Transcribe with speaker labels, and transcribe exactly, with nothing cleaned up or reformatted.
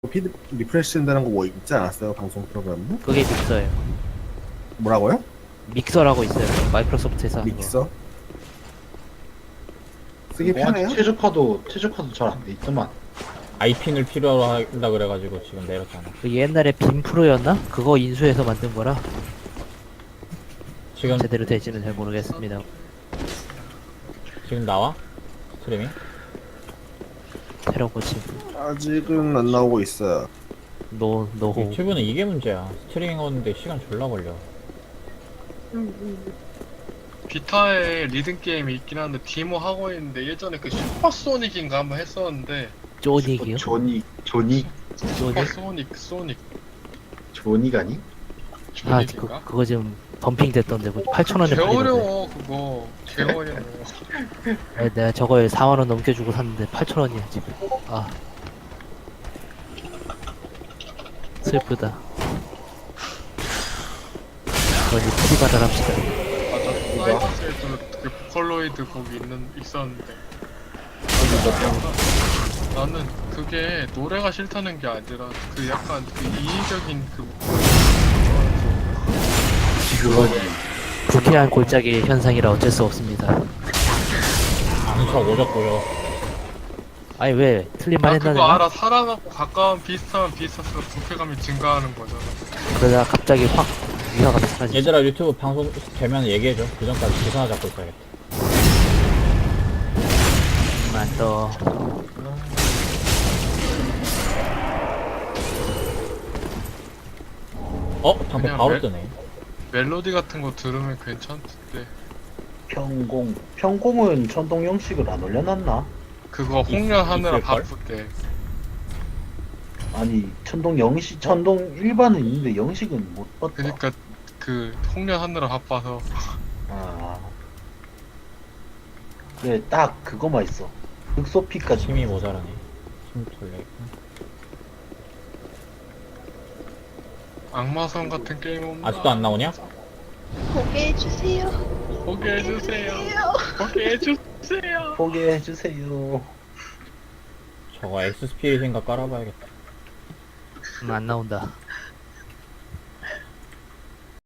Speaker 1: 피드 리프레시 된다는 거 뭐 있지 않았어요? 방송 프로그램도?
Speaker 2: 그게 믹서예요.
Speaker 1: 뭐라고요?
Speaker 2: 믹서라고 있어요. 마이크로소프트에서 하는 거.
Speaker 1: 믹서? 쓰기 편해요?
Speaker 3: 최저카도 최저카도 잘 안 돼 있더만.
Speaker 4: 아이핀을 필요로 한다 그래가지고 지금 내렸잖아.
Speaker 2: 그 옛날에 빔 프로였나? 그거 인수해서 만든 거라
Speaker 4: 지금
Speaker 2: 제대로 될지는 잘 모르겠습니다.
Speaker 4: 지금 나와? 스트리밍?
Speaker 2: 새로 고침.
Speaker 1: 아직은 안 나오고 있어요.
Speaker 2: 노 노호.
Speaker 4: 유튜브는 이게 문제야. 스트리밍 하는데 시간 졸라 걸려.
Speaker 5: 비타에 리듬 게임이 있긴 한데 디모 하고 있는데 예전에 그 슈퍼소닉인가 한번 했었는데
Speaker 2: 쪼닉이요?
Speaker 3: 조닉 조닉
Speaker 2: 쪼닉?
Speaker 5: 슈퍼소닉 소닉
Speaker 3: 조닉 아니?
Speaker 2: 아 그,
Speaker 5: 조닉인가?
Speaker 2: 그거 지금 덤핑 됐던데 팔천 원에
Speaker 5: 개
Speaker 2: 팔리던데.
Speaker 5: 어려워 그거 개 어려워.
Speaker 2: 아니, 내가 저걸 사만 원 넘게 주고 샀는데 팔천 원이야 지금. 아 슬프다. 그러니 프리바달 합시다.
Speaker 5: 맞아 사이버스에도 그 보컬로이드 곡이 있는 있었는데 나는 그게 노래가 싫다는 게 아니라 그 약간 그 이의적인 그
Speaker 3: 그거지.
Speaker 2: 불쾌한 골짜기 현상이라 어쩔 수 없습니다.
Speaker 4: 안쳐 오졌고요.
Speaker 2: 아니 왜 틀린 말
Speaker 5: 아
Speaker 2: 했나
Speaker 5: 그거
Speaker 2: 내가?
Speaker 5: 알아 사람하고 가까운 비슷하면 비슷할수록 불쾌감이 증가하는 거잖아.
Speaker 2: 그러다 갑자기 확 위화가 사라지지.
Speaker 4: 얘들아 유튜브 방송 되면 얘기해줘. 그 전까지 기사 잡고 있어야겠다.
Speaker 2: 만 떠.
Speaker 4: 어? 방금
Speaker 5: 그냥
Speaker 4: 바로
Speaker 5: 멜-
Speaker 4: 뜨네.
Speaker 5: 멜로디 같은 거 들으면 괜찮던데
Speaker 3: 평공 평공은 천동 형식을 안 올려놨나?
Speaker 5: 그거 홍련 하느라
Speaker 4: 있을걸?
Speaker 5: 바쁠 때
Speaker 3: 아니 천동 영식 천동 일반은 있는데 영식은 못 봤다.
Speaker 5: 그니까 그 홍련 하느라 바빠서
Speaker 3: 아 그래 딱 그거만 있어. 극소피까지.
Speaker 4: 힘이 모자라네. 힘 돌려.
Speaker 5: 악마성 같은 게임 없나?
Speaker 4: 아직도 안 나오냐?
Speaker 6: 보게 해주세요.
Speaker 5: 보게 해주세요. 보게 해주세요.
Speaker 3: 포기해 주세요.
Speaker 4: 저거 엑스스피릿인가 깔아봐야겠다.
Speaker 2: 음, 안 나온다.